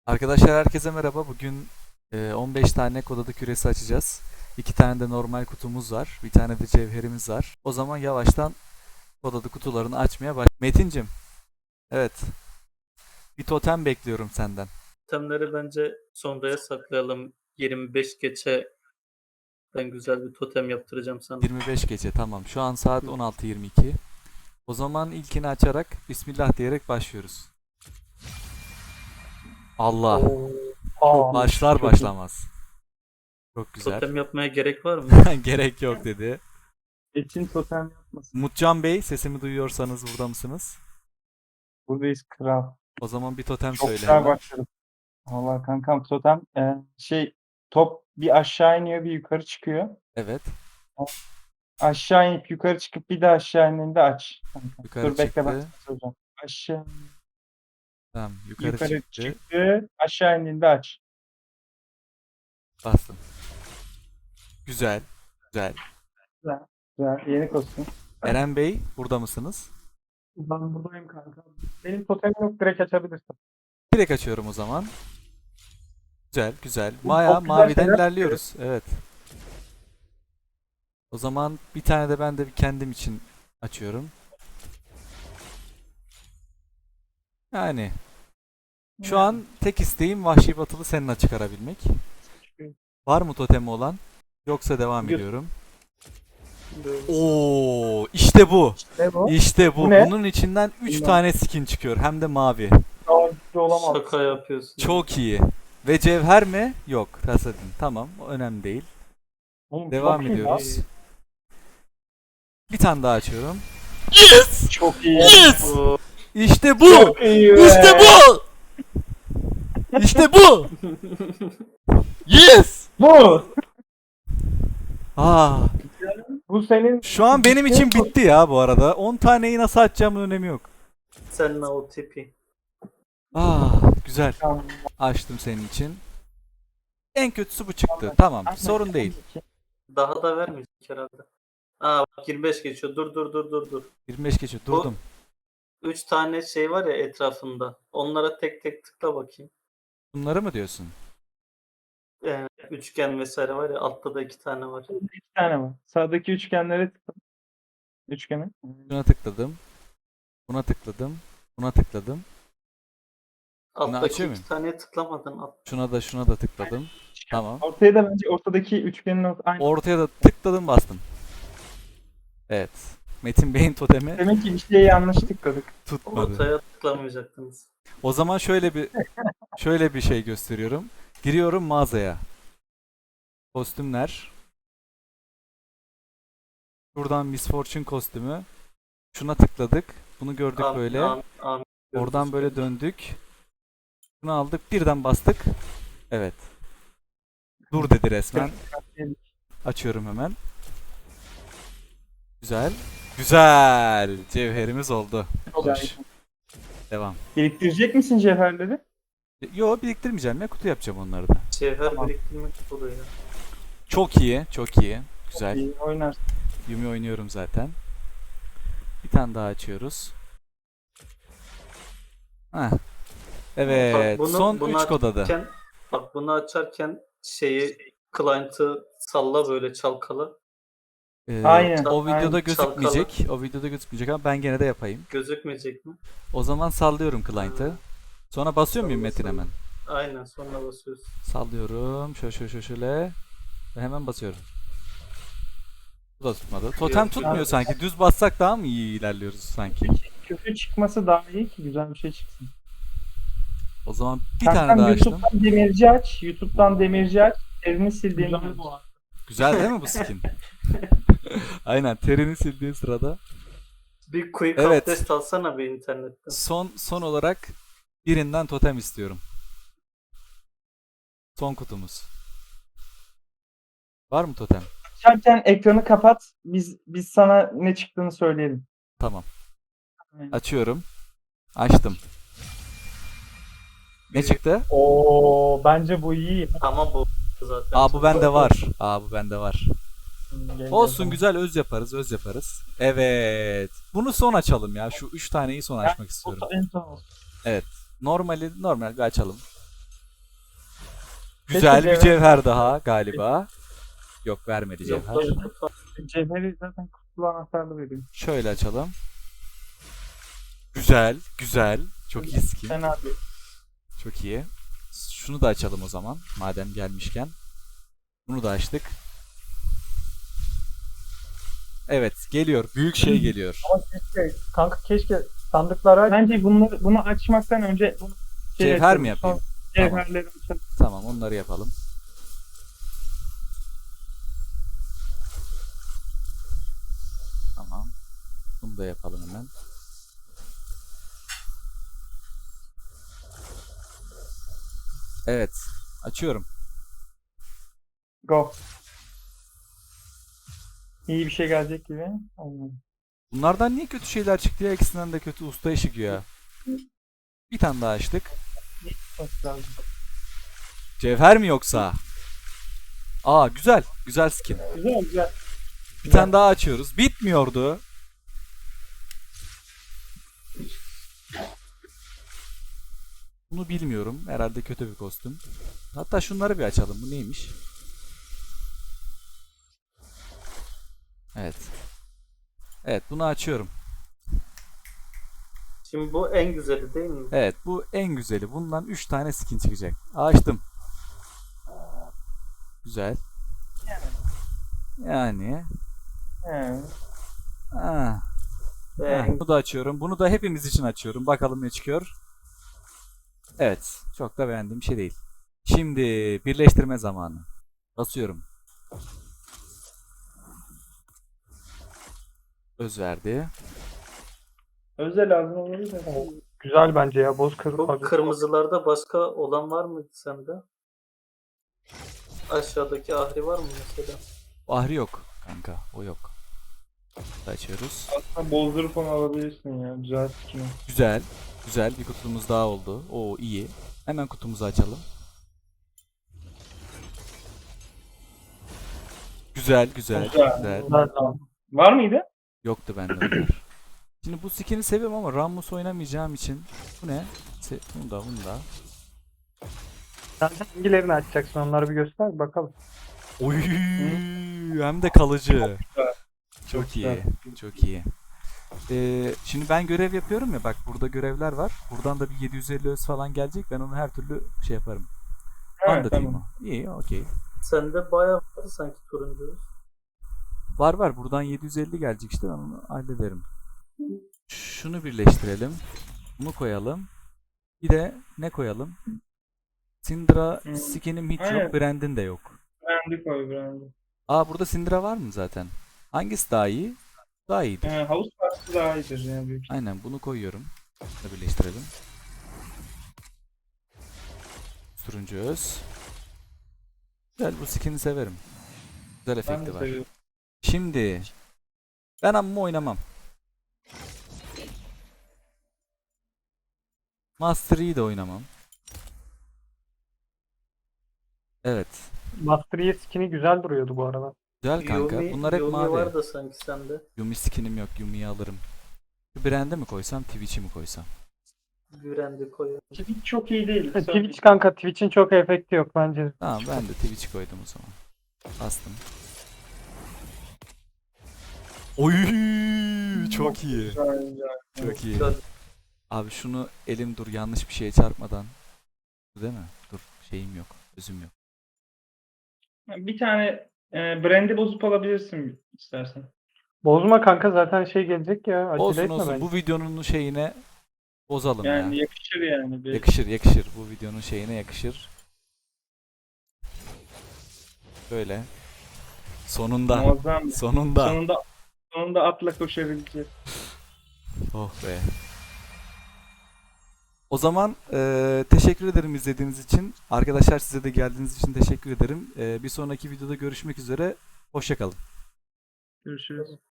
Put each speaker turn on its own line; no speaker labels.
Arkadaşlar herkese merhaba. Bugün 15 tane kod adı küresi açacağız. 2 tane de normal kutumuz var. Bir tane de cevherimiz var. O zaman yavaştan kod adı kutularını açmaya baş. Metincim, evet. Bir totem bekliyorum senden.
Totemleri bence sonraya saklayalım. 25 geçe ben güzel bir totem yaptıracağım sana.
25 gece, tamam. Şu an saat 16:22. O zaman ilkini açarak Bismillah diyerek başlıyoruz. Allah. Başlar başlamaz. Çok güzel.
Totem yapmaya gerek var mı?
Gerek yok dedi.
Etin totem yapmasın.
Mutcan Bey, sesimi duyuyorsanız burada mısınız?
Buradayız kral.
O zaman bir totem
Çok
söyle
güzel
hemen.
başladık. Valla kankam totem top bir aşağı iniyor bir yukarı çıkıyor.
Evet.
Aşağı inip yukarı çıkıp bir de aşağı indiğinde aç. Kankam.
Yukarı
Dur bekle ben
çıktı.
sana söyleyeceğim. Aşağı
Tamam, yukarı
yukarı
çıktı.
çıktı. Aşağı indiğinde aç.
Bastım. Güzel. Güzel.
Güzel. Güzel. Yeni kostüm.
Eren Bey, burada mısınız?
Ben buradayım kanka. Benim totemim yok, direkt açabilirsin.
Direkt açıyorum o zaman. Güzel, güzel.
Bu
Maya,
çok güzel
maviden
şeyler
ilerliyoruz. Evet. O zaman bir tane de ben de kendim için açıyorum. Yani şu an tek isteğim Vahşi Batılı seninle çıkarabilmek. Var mı totemi olan? Yoksa devam
Yok.
ediyorum.
Böyle.
Oo, işte bu.
Ne bu?
İşte bu.
Bu ne?
Bunun içinden 3
Bilmem.
tane skin çıkıyor. Hem de mavi.
Daha güçlü olamaz.
Şaka yapıyorsun.
Çok iyi. Ve cevher mi? Yok. Rasadin. Tamam. O önemli değil.
Oğlum,
Devam
çok iyi
ediyoruz.
lan.
Bir tane daha açıyorum. Yes!
Çok iyi.
Yes!
Oo,
İşte bu!
Çok iyi be.
İşte bu! İşte bu! Yes!
Bu.
Aa,
Bu senin
şu an benim için bitti ya bu arada. 10 taneyi nasıl açacağımın önemi yok.
seninle o tipi.
Güzel.
Tamam.
Açtım senin için. En kötüsü bu çıktı. Tamam. Sorun değil.
Daha da vermeyecek herhalde. Bak 25 geçiyor. Dur.
25 geçiyor. Durdum.
3 tane şey var ya etrafında. Onlara tek tek tıkla bakayım.
Bunları mı diyorsun?
Üçgen vesaire var ya, altta da 2 tane var.
İki tane var. Sağdaki üçgenlere tıkla. Üçgene.
Şuna tıkladım. Buna tıkladım. Buna tıkladım.
Alttaki
açıyor
2
muyum?
taneye tıklamadın.
Şuna da tıkladım. Tamam.
Ortaya da bence ortadaki üçgenin aynı.
Ortaya da tıkladım, bastım. Evet. Metin Bey'in totemi
Demek ki bir şeye yanlış tıkladık.
tutmadı.
Ortaya tıklamayacaktınız.
O zaman şöyle bir şey gösteriyorum. Giriyorum mağazaya. Kostümler. Buradan Miss Fortune kostümü. Şuna tıkladık. Bunu gördük
Amin,
böyle.
amin.
Oradan böyle döndük. Şunu aldık. Birden bastık. Evet. Dur dedi resmen. Açıyorum hemen. Güzel. Güzel. Cevherimiz oldu. Hoş. Devam.
Biriktirecek misin cevherleri?
Yo, biriktirmeyeceğim ya. Kutu yapacağım onları da.
Cevher
Tamam.
biriktirmek oluyor.
Çok iyi. Çok iyi. Güzel.
İyi oynarsın.
Yumi oynuyorum zaten. Bir tane daha açıyoruz. Heh. Evet.
Bak
Son 3 kod adı.
açarken, bak bunu açarken client'ı salla, böyle çalkala.
Aynen,
O videoda
aynen.
gözükmeyecek. O videoda gözükmeyecek ama ben gene de yapayım.
Gözükmeyecek mi?
O zaman sallıyorum client'ı. Sonra basıyor muyum
Salla,
Metin
salla.
hemen?
Aynen, sonra basıyorsun.
Sallıyorum. Şöyle. Ve hemen basıyorum. Bu da tutmadı. Totem
Yok,
tutmuyor
yok.
sanki. Düz bassak daha mı iyi ilerliyoruz sanki?
Kötü çıkması daha iyi ki güzel bir şey çıksın.
O zaman bir
Kankam,
tane daha açtım.
YouTube'dan demirci aç. YouTube'dan demirci aç. Terini sildiğini aç.
Güzel değil mi bu skin? Aynen, terini sildiği sırada.
Bir quick
Evet.
abdest alsana bir internetten.
Son olarak birinden totem istiyorum. Son kutumuz. Var mı totem?
Açarken ekranı kapat. Biz sana ne çıktığını söyleyelim.
Tamam. Açıyorum. Açtım. Ne çıktı?
Oo, bence bu iyi.
Ama bu zaten.
Aa, bu bende var. Bu bende var.
Gel,
Olsun,
gel.
güzel, öz yaparız. Evet. Bunu son açalım ya. Şu 3 taneyi son açmak istiyorum.
En son olsun.
Normal bir açalım. Güzel bir
cevher-
cevher daha galiba. Yok, vermedi
Yok,
cevher.
Cevheri zaten kutulu anahtarlı veriyor.
Şöyle açalım. Güzel, güzel. Çok iyi skin.
Fena değil.
Çok iyi. Şunu da açalım o zaman. Madem gelmişken. Bunu da açtık. Evet, geliyor. Büyük şey geliyor.
Ama keşke sandıkları aç.
Bence bunu açmaktan önce bunu
Cevher
açalım.
mi yapayım?
Sonra Cevherleri açalım.
Tamam, onları yapalım. Tamam. Bunu da yapalım hemen. Evet. Açıyorum.
Go. İyi bir şey gelecek gibi. Olmadı.
Bunlardan niye kötü şeyler çıktı ya? İkisinden de kötü usta ışık ya. Bir tane daha açtık.
Çok lazım.
Cevher mi yoksa? Aa, güzel. Güzel skin.
Güzel güzel.
Bir tane daha açıyoruz. Bitmiyordu. Bunu bilmiyorum. Herhalde kötü bir kostüm. Hatta şunları bir açalım. Bu neymiş? Evet. Evet, bunu açıyorum.
Şimdi bu en güzeli değil mi?
Evet, bu en güzeli. Bundan 3 tane skin çıkacak. Açtım. Güzel. Yani.
He.
Ah.
Ve
Bunu da açıyorum. Bunu da hepimiz için açıyorum. Bakalım ne çıkıyor. Evet. Çok da beğendiğim şey değil. Şimdi birleştirme zamanı. Basıyorum. Öz verdi.
Özel lazım olabilir de.
Güzel bence ya.
bu
Kırmızı.
kırmızılarda başka olan var mıydı sende? Aşağıdaki ahri var mı mesela?
Ahri yok kanka. O yok. Açıyoruz.
Aslında bozdurup onu alabilirsin ya. Güzel skin o.
Güzel. Güzel. Bir kutumuz daha oldu. Oo, iyi. Hemen kutumuzu açalım. Güzel, güzel,
Güzel.
güzel.
Var mıydı?
Yoktu bende onlar. Şimdi bu skin'i seviyorum ama Rammus oynamayacağım için. Bu ne? Bunu da, bunu da.
Sen hangilerini açacaksın? Onları bir göster bakalım.
Oy, hem de kalıcı. Çok
Çok
iyi. Çok iyi. Şimdi ben görev yapıyorum ya, bak burada görevler var. Buradan da bir 750 öz falan gelecek. Ben onu her türlü şey yaparım. Anlatayım
tamam.
o. İyi, okey.
Sende bayağı vardı sanki turuncu.
Var var, buradan 750 gelecek işte, ben onu hallederim. Şunu birleştirelim. Bunu koyalım. Bir de ne koyalım? Syndra skinim hiç
Aynen.
yok. Brand'in de yok.
Brand'i koy brand'i.
Aa, burada Syndra var mı zaten? Hangisi daha iyi? Daha iyidir.
Havuz parçası daha iyidir ya büyük.
Aynen, bunu koyuyorum. Bunu da birleştirelim. Turuncu öz. Güzel, bu skin'i severim. Güzel
Ben de
efekti var.
seviyorum.
Şimdi ben amma oynamam. Master Yi de oynamam. Evet.
Master Yi skin'i güzel duruyordu bu arada.
Güzel kanka. Bunlar hep
Yumi
mavi.
var da sanki sende.
Yumi skinim yok. Yumi'yi alırım. Şu Brand'e mi koysam, Twitch'i mi koysam?
Gürendi koyuyor.
Twitch çok iyi değil.
Twitch kanka, Twitch'in çok efekti yok bence.
Tamam, ben de Twitch'i koydum o zaman. Bastım. Oy, çok iyi.
Güzel, güzel.
Çok iyi.
Güzel.
Abi şunu elim dur, yanlış bir şeye çarpmadan. Değil mi? Dur, şeyim yok. Özüm yok.
Bir tane brand'i bozup alabilirsin istersen.
Bozma kanka, zaten şey gelecek ya. Acele
Olsun
etme
olsun.
bence.
Bu videonun şeyine bozalım
Yani
ya.
yakışır yani.
Yakışır yakışır. Bu videonun şeyine yakışır. Böyle. Sonunda.
Muazzam.
Sonunda.
Sonunda atla koşabileceğiz.
Oh be. O zaman teşekkür ederim izlediğiniz için. Arkadaşlar, size de geldiğiniz için teşekkür ederim. Bir sonraki videoda görüşmek üzere. Hoşça kalın.
Görüşürüz.